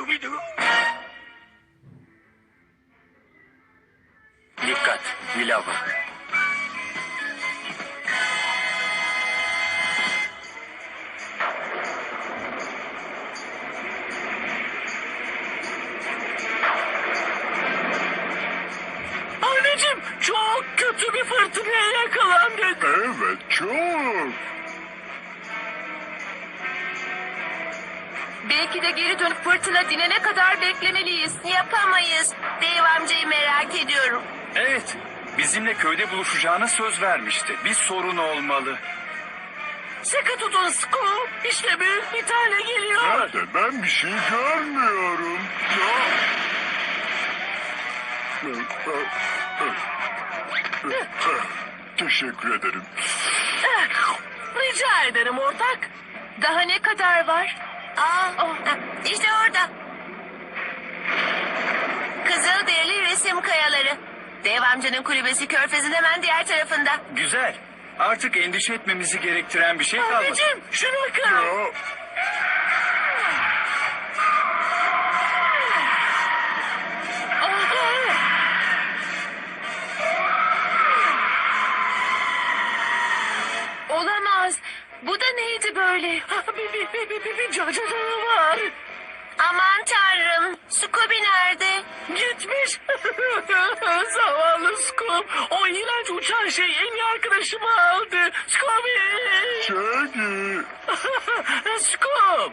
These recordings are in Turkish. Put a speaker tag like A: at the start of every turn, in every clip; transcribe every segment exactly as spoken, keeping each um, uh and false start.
A: Scooby-Doo.
B: Dikkat, Vilava.
A: Anneciğim, çok kötü bir fırtınaya yakalandık.
C: Evet, çok.
D: Belki de geri dönüp fırtına dinene kadar beklemeliyiz. Yapamayız. Dave amcayı merak ediyorum.
B: Evet, bizimle köyde buluşacağına söz vermişti. Bir sorun olmalı.
A: Sıkı tutun Scoop. İşte büyük bir tane geliyor.
C: Nerede? Ben bir şey görmüyorum. Ya. Teşekkür ederim.
A: Rica ederim ortak.
D: Daha ne kadar var?
E: Aa, işte orada. Kızılderili resim kayaları. Dev amcanın kulübesi körfezin hemen diğer tarafında.
B: Güzel. Artık endişe etmemizi gerektiren bir şey kalmadı.
A: Anneciğim, şuna bakın.
C: Ya.
D: Olamaz. Bu da neydi böyle?
A: Bir, bir, bir, bir, bir, bir cacığı var.
E: Aman tanrım. Scooby nerede?
A: Gitmiş. Zavallı Scoop. O iğrenç uçan şey en iyi arkadaşımı aldı. Scooby.
C: Shaggy.
A: Scoop.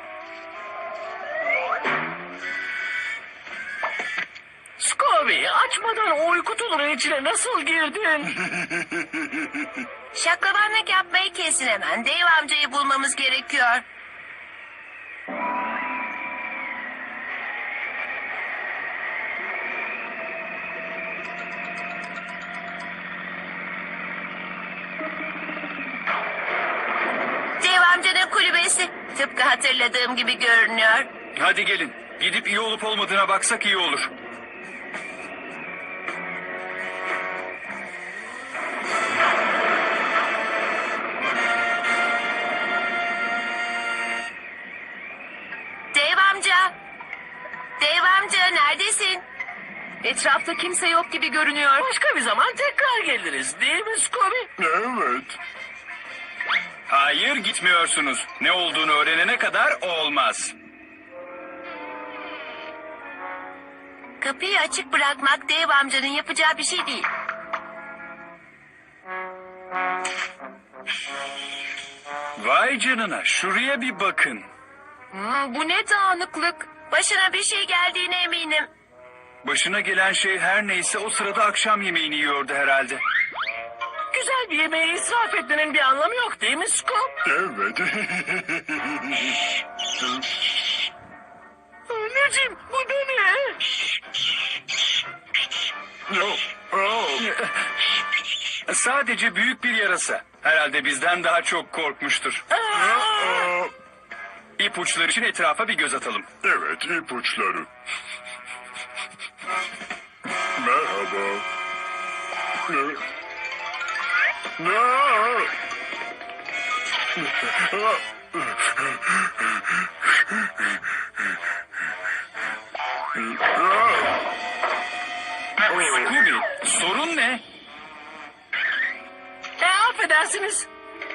A: Scooby, açmadan o uyku tulunun içine nasıl girdin?
E: Şaklabanlık yapmayı kesin hemen. Dev amcayı bulmamız gerekiyor. Dev amcanın kulübesi. Tıpkı hatırladığım gibi görünüyor.
B: Hadi gelin. Gidip iyi olup olmadığına baksak iyi olur.
E: Dev amca. Dev amca neredesin?
D: Etrafta kimse yok gibi görünüyor.
A: Başka bir zaman tekrar geliriz değil mi Scooby?
C: Evet.
B: Hayır, gitmiyorsunuz. Ne olduğunu öğrenene kadar olmaz.
E: Kapıyı açık bırakmak Dev amcanın yapacağı bir şey değil.
B: Vay canına, şuraya bir bakın.
D: Hmm, bu ne dağınıklık.
E: Başına bir şey geldiğine eminim.
B: Başına gelen şey her neyse o sırada akşam yemeğini yiyordu herhalde.
A: Güzel bir yemeği israf etmenin bir anlamı yok değil mi Scoop?
C: Evet.
A: Anneciğim, bu da ne?
C: Ya. Aa.
B: Sadece büyük bir yarasa. Herhalde bizden daha çok korkmuştur.
C: Aa.
B: İpuçları için etrafa bir göz atalım.
C: Evet, ipuçları. Merhaba. Ne? Ne?
B: Scooby, sorun ne?
A: E, affedersiniz.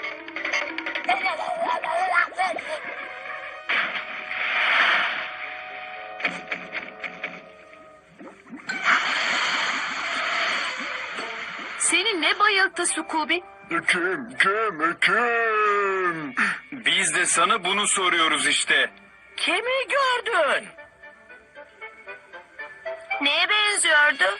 D: Seni ne bayılttı Scooby?
C: Kim, kim, kim?
B: Biz de sana bunu soruyoruz işte.
A: Kimi gördün?
E: Neye benziyordu?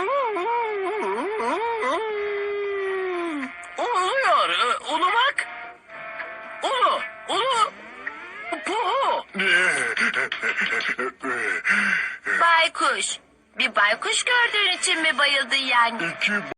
A: Uluyor. e, Ulumak. Ulu. Ulu. Puhu.
E: Baykuş. Bir baykuş gördüğün için mi bayıldın yani?
C: İki